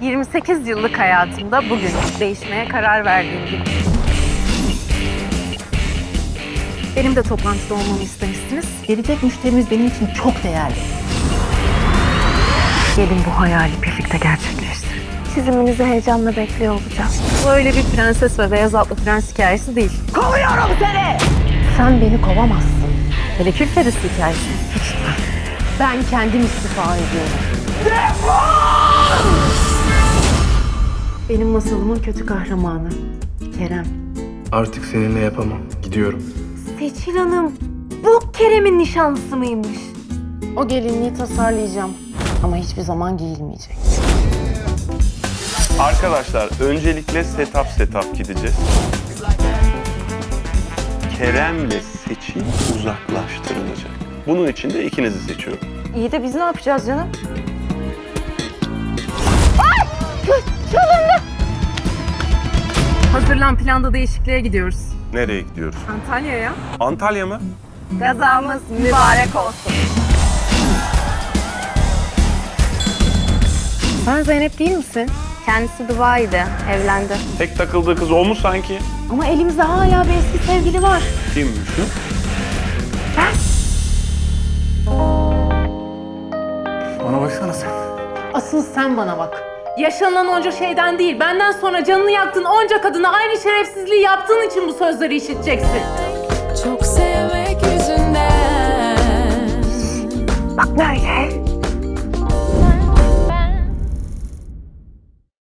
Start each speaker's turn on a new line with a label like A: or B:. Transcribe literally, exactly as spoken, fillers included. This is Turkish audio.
A: yirmi sekiz yıllık hayatımda bugün değişmeye karar verdiğim gün. Benim de toplantıda olmamı istemişsiniz.
B: Gelecek müşterimiz benim için çok değerli.
A: Gelin bu hayali birlikte gerçekleştirelim. Çiziminizi heyecanla bekliyor olacağım. Bu öyle bir prenses ve beyaz atlı prens hikayesi değil.
B: Kovuyorum seni! Sen beni kovamazsın.
A: Hele kül kedisi hikayesi.
B: Ben kendim istifa ediyorum.
A: Benim masalımın kötü kahramanı Kerem.
C: Artık seninle yapamam. Gidiyorum.
A: Seçil Hanım, bu Kerem'in nişanlısı mıymış?
B: O gelinliği tasarlayacağım. Ama hiçbir zaman giyilmeyecek.
D: Arkadaşlar öncelikle setup setup gideceğiz. Kerem'le Seçil uzaklaştırılacak. Bunun için de ikinizi seçiyorum.
B: İyi de biz ne yapacağız canım?
A: Hazırlan, planda değişikliğe gidiyoruz.
D: Nereye gidiyoruz?
A: Antalya'ya.
D: Antalya mı?
A: Gazamız mübarek olsun. Sen Zeynep değil misin?
E: Kendisi Dubai'de, evlendi.
D: Tek takıldığı kız o mu sanki?
B: Ama elimizde hala bir eski sevgili var.
D: Kimmiş o?
C: Bana baksana sen.
B: Asıl sen bana bak.
A: Yaşanılan onca şeyden değil, benden sonra canını yaktığın onca kadına aynı şerefsizliği yaptığın için bu sözleri işiteceksin.
F: Çok sevmek yüzünden.
A: Bak böyle.